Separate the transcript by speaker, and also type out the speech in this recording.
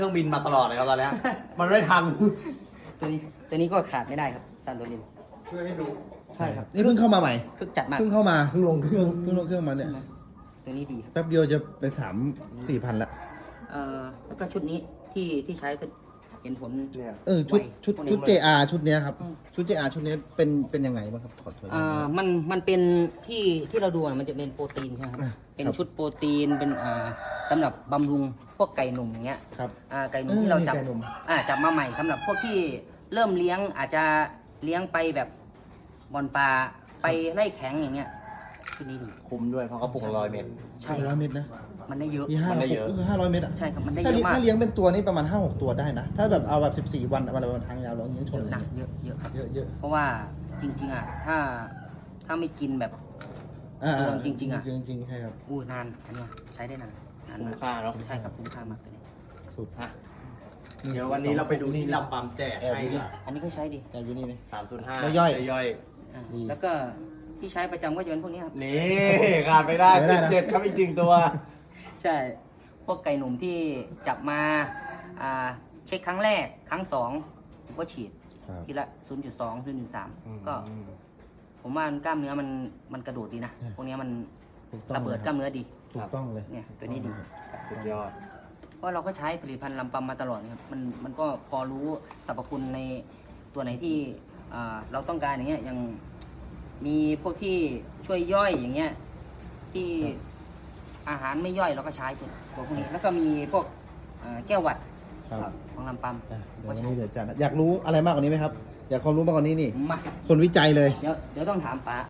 Speaker 1: เครื่องบินมาตลอดเลยครับตอนนี้ มันไม่ทัน
Speaker 2: ตัวนี้ก็ขาดไม่ได้ครับซานโดริน
Speaker 1: ช่วยให้ดู
Speaker 2: ใช่ครับ
Speaker 3: นี่เพิ่งเข้ามาใหม่
Speaker 2: คึกจัดมาก
Speaker 3: เพิ่งเข้ามา
Speaker 1: เพิ่งลงเครื่อง
Speaker 3: เพิ่งลงเครื่องมาเนี่ย
Speaker 2: ตัวนี้ดีครับ
Speaker 3: แป๊บเดียวจะไป3-4 พันละ
Speaker 2: แล้วก็ชุดนี้ที่ใช้ก็เห็นผล
Speaker 1: เนี่ย
Speaker 3: ชุด
Speaker 2: ไว
Speaker 3: ชุด
Speaker 2: พวกนี้
Speaker 3: ชุด JR ชุดเนี้ยครับ
Speaker 2: อืม
Speaker 3: ชุด JR ชุดเนี้ยเป็นยังไงบ้างครับขอถอย
Speaker 2: มันเป็นที่เราดูอะมันจะเป็นโปรตีนใช่ไหมครับ
Speaker 3: อ่ะ
Speaker 2: เป็น
Speaker 3: ครับ
Speaker 2: ชุดโปรตีนเป็นสำหรับบำรุงพวกไก่หนุ่มอย่างเงี้ย
Speaker 3: ครับ
Speaker 2: ไก่หนุ่มที่เราจับ
Speaker 3: ไก่หนุ่ม
Speaker 2: จับมาใหม่สำหรับพวกที่เริ่มเลี้ยงอาจจะเลี้ยงไปแบบบอลปลาไปไล่แข็งอย่างเงี้ยชุดนี้ดี
Speaker 1: คุ้มด้วยเพราะเขาปลูก100 เมตร
Speaker 2: ใช่
Speaker 3: 100 เมตรนะ
Speaker 2: มันได้เยอะ
Speaker 3: มี
Speaker 1: มันได้เยอะ
Speaker 3: ก็คือ500 เมตรอ่ะ
Speaker 2: ใช่ครับมันได้
Speaker 3: ถ้า
Speaker 2: เย
Speaker 3: เลี้ยง
Speaker 2: อะมาก
Speaker 3: ถ้าเลี้ยงเป็นตัวนี่ประมาณ 5-6 ตัวได้นะ ถ้าแบบเอาแบบ14 วันวันละวันทางยาวเราเลี้ยงช
Speaker 2: เย
Speaker 3: น
Speaker 2: อะ
Speaker 3: เลย
Speaker 2: นะเยอะครับ
Speaker 3: เยอะเยอะ
Speaker 2: เพราะว่าจริงๆถ้าไม่กินแบบ จริงๆอะ
Speaker 3: จริงๆใช่ครับ
Speaker 2: นานอันเนี้ยใช้ได้นาน
Speaker 1: คุ้มค่าเนาะ
Speaker 2: ใช่ครับคุ้มค่ามากตัวนี้
Speaker 3: สุด
Speaker 1: อ่ะเดี๋ยววันนี้เราไปดูที่ลำปั๊มแจกให้ดีกว่า
Speaker 2: อันนี้ก็ใช้ดี
Speaker 3: แต่อยู่นี่นี่
Speaker 1: 305
Speaker 3: แล้วย่อย
Speaker 1: ย่อย
Speaker 3: ดี
Speaker 2: แล้วก็ที่ใช้ประจำก็จะเป็นพวกนี้ครับ
Speaker 1: นี่ขาดไม่ได้
Speaker 3: ไม่ได้นะ
Speaker 1: 17ครับอีก1ตัว
Speaker 2: ใช่ พวกไก่หนุ่มที่จับมาเช็คครั้งแรกครั้งสองผมก็ฉีด
Speaker 3: ครับ
Speaker 2: ทีละ 0.2 0.3 ก็ผมว่ากล้ามเนื้อมันกระโดดดีนะ พวกนี้มัน
Speaker 3: ถูกต้อง
Speaker 2: ระเบิดกล้ามเนื้อดี
Speaker 3: ถูกต้องเลย
Speaker 2: เนี่ยตัวนี้ดี
Speaker 1: สุดยอด
Speaker 2: เพราะเราก็ใช้ผลิตภัณฑ์ลำปัมมาตลอดนะครับมันก็พอรู้สรรพคุณในตัวไหนที่เราต้องการอย่างเงี้ยอย่างมีพวกที่ช่วยย่อยอย่างเงี้ยที่อาหารไม่ย่อยเราก็ใช้ตัวพวกนี้ แล้วก็มีพวกแก้วหวัด
Speaker 3: ครับ
Speaker 2: ของลำปัม
Speaker 3: อ่ะเดี๋ยว
Speaker 2: ก็
Speaker 3: วัน
Speaker 2: ใช้
Speaker 3: นี้เดี๋ยวจัดอยากรู้อะไรมากกว่านี้ไหมครับ อยากความรู้มากกว่านี้นี่
Speaker 2: มา
Speaker 3: คนวิจัยเลย
Speaker 2: เดี๋ยวต้องถามป๋า